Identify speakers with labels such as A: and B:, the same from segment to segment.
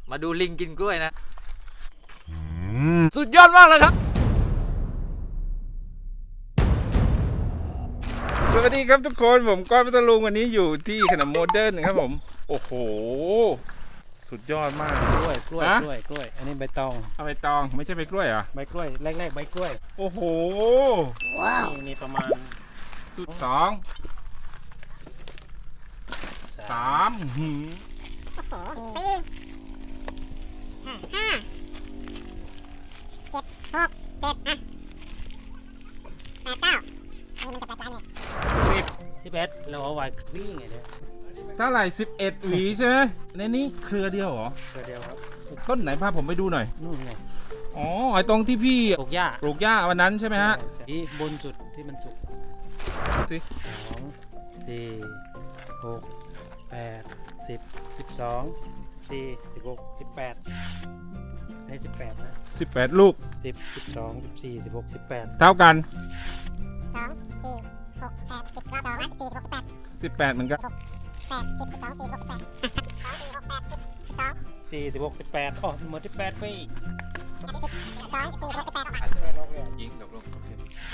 A: มาดูลิงกินกล้วยนะสุดยอดมากเลยครับ
B: สวัสดีครับทุกคนผมก้อยพัทลุงวันนี้อยู่ที่ขนมโมเดิร์นครับผมโอ้โหสุดยอดมาก
C: กล้วยอันนี้ใบตอง
B: เอาใบตองไม่ใช่ใบกล้วยเหรอ
C: ใบกล้วยแรกๆใบกล้วย
B: โอ้โห
C: ว้าวนี่ประมาณ
B: สุด2 3
D: โอ้โห4 5 7 6 7อ่ะ8 9มันจะ8 เลย
C: 11เราเอาไว้วิ่งไงเนี่ย
B: เท่าไหร่11หวีใช่ไหมในนี้เครือเดียวเหรอ
C: เครือเดียวครับ
B: ต้นไหนพาผมไปดูหน่อย
C: นู่นไง
B: อ๋อไอตรงที่พี่
C: ปลูกห
B: ญ้าวันนั้นใช่ไหมฮะ
C: ที่บนสุดที่มันสุก
B: สิ
C: 2 4 6 8 10 12 4 16 18ได้18นะ
B: 18ลูก
C: 10 12 14 16 18
B: เท่ากัน
D: 2 4 6 8 10 9 2 4 6 8
B: 18เหมือนกัน
D: 8 10 12 4 6 8 2 4 6 8 10
C: 4 16 18อ๋อหมด18ไปอีก
D: 2 4 6 8
A: ยิงตกลง
D: 2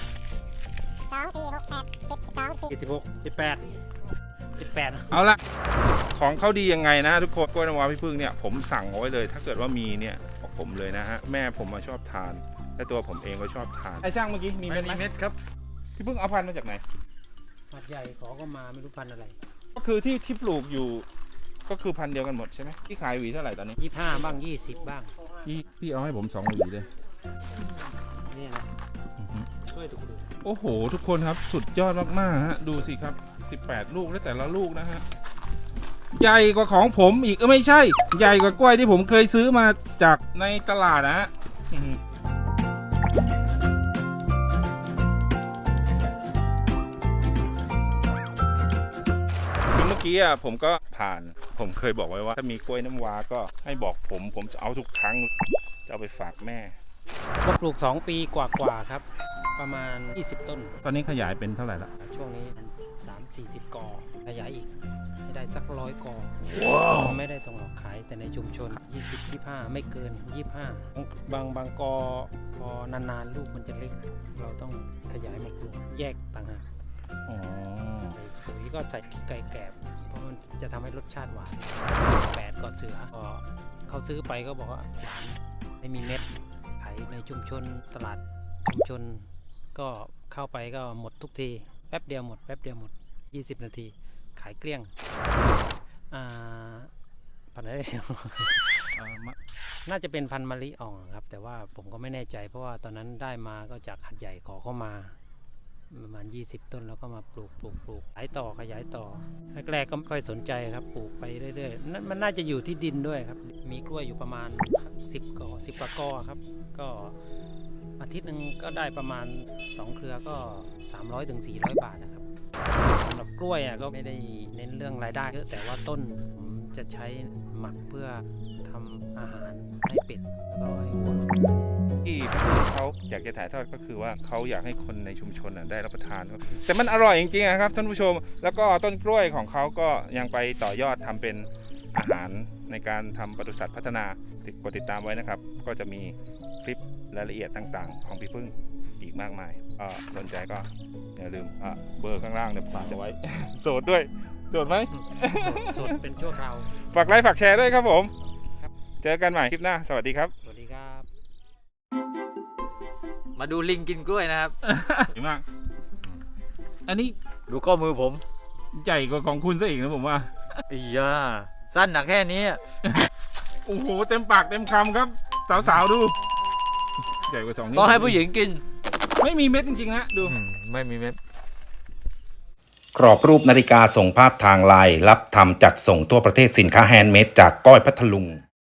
D: 4 6 8 10 12
C: 18
B: เอาละของเขาดียังไงนะทุกคนกล้วยน้ำว้าพี่พึ่งเนี่ยผมสั่งเอาไว้เลยถ้าเกิดว่ามีเนี่ยบอกผมเลยนะฮะแม่ผมมาชอบทานและตัวผมเองก็ชอบทานไอ้ช่างเมื่อกี้มีเม็ดไหม
A: เม็ดครับ
B: พี่พึ่งเอาพันธุ์มาจากไหน
C: พันใหญ่ขอก็มาไม่รู้พันอะไร
B: ก็คือที่ปลูกอยู่ก็คือพันธุ์เดียวกันหมดใช่ไหมที่ขายหวีเท่าไหร่ตอนนี้
C: 25บ้าง20บ้าง
B: พี่เอาให้ผม2หวีเลย
C: นี่นะช่วยถูกดู
B: โอ้โหทุกคนครับสุดยอดมากๆฮะดูสิครับ18ลูกและแต่ละลูกนะฮะใหญ่กว่าของผมอีกไม่ใช่ใหญ่กว่ากล้วยที่ผมเคยซื้อมาจากในตลาดนะฮะคือเมื่อกี้ผมก็ผ่านผมเคยบอกไว้ว่าถ้ามีกล้วยน้ำว้าก็ให้บอกผมจะเอาทุกครั้งจะเอาไปฝากแม่
C: ก็ปลูก2 ปีกว่าๆครับประมาณ20ต้น
B: ตอนนี้ขยายเป็นเท่าไหร่ละ
C: ช่วงนี้30-40 กอขยายอีกให้ได้สัก100 กอไม่ได้ต้องออกขายแต่ในชุมชน20-25ไม่เกิน25บางกอพอนานๆลูกมันจะเล็กเราต้องขยายมาปลูกแยกต่างหากปุ๋ยก็ใส่ไก่แกบเพราะมันจะทำให้รสชาติหวาน8 กอเสือพอเขาซื้อไปก็บอกว่าหวานไม่มีเม็ดขายในชุมชนตลาดชุมชนก็เข้าไปก็หมดทุกทีแป๊บเดียวหมด20 นาทีขายเกลี้ยงพันธุ์อะไรน่าจะเป็นพันธุ์มะลิอ่องครับแต่ว่าผมก็ไม่แน่ใจเพราะว่าตอนนั้นได้มาก็จากหัดใหญ่ขอเข้ามาประมาณ20 ต้นแล้วก็มาปลูกขยายต่อแรกๆก็ไม่ค่อยสนใจครับปลูกไปเรื่อยๆมันน่าจะอยู่ที่ดินด้วยครับมีกล้วยอยู่ประมาณ10 กว่า กอครับก็อาทิตย์หนึ่งก็ได้ประมาณ2 เครือก็300-400 บาทนะครับสำหรับกล้วยก็ไม่ได้เน้นเรื่องรายได้เยอะแต่ว่าต้นผมจะใช้หมักเพื่อทำอาหารให้เป็ดแล้วก็ให้วัว
B: ที่เขาอยากจะถ่ายทอดก็คือว่าเขาอยากให้คนในชุมชนได้รับประทานแต่มันอร่อยจริงๆครับท่านผู้ชมแล้วก็ต้นกล้วยของเขาก็ยังไปต่อยอดทำเป็นอาหารในการทำปศุสัตว์พัฒนากดติดตามไว้นะครับก็จะมีคลิปรายละเอียดต่างๆของพี่พึ่งอีกมากมายสนใจก็อย่าลืมเบอร์ข้างล่างเนี่ยฝากจะไว้โสดด้วยโสดไหม
C: โสดเป็นชั่วคราว
B: ฝากไลค์ฝากแชร์ด้วยครับผมเจอกันใหม่คลิปหน้าสวัสดีครับ
C: สวัสดีครับ
A: มาดูลิงกินกล้วยนะครับ
B: ดีมากอันนี้
A: ดูข้อมือผม
B: ใหญ่กว่าของคุณซะอีกนะผมว่า
A: สั้นหนักแค่นี้
B: โอ้โหเต็มปากเต็มคำครับสาวๆดูใหญ่กว่า2 นิ้ว
A: ต้องให้ผู้หญิงกิน
B: ไม่มีเม็ดจริงๆนะดู
A: ไม่มีเม็ด
E: กรอบรูปนาฬิกาส่งภาพทางไลน์รับทำจัดส่งทั่วประเทศสินค้าแฮนด์เมดจากก้อยพัทลุง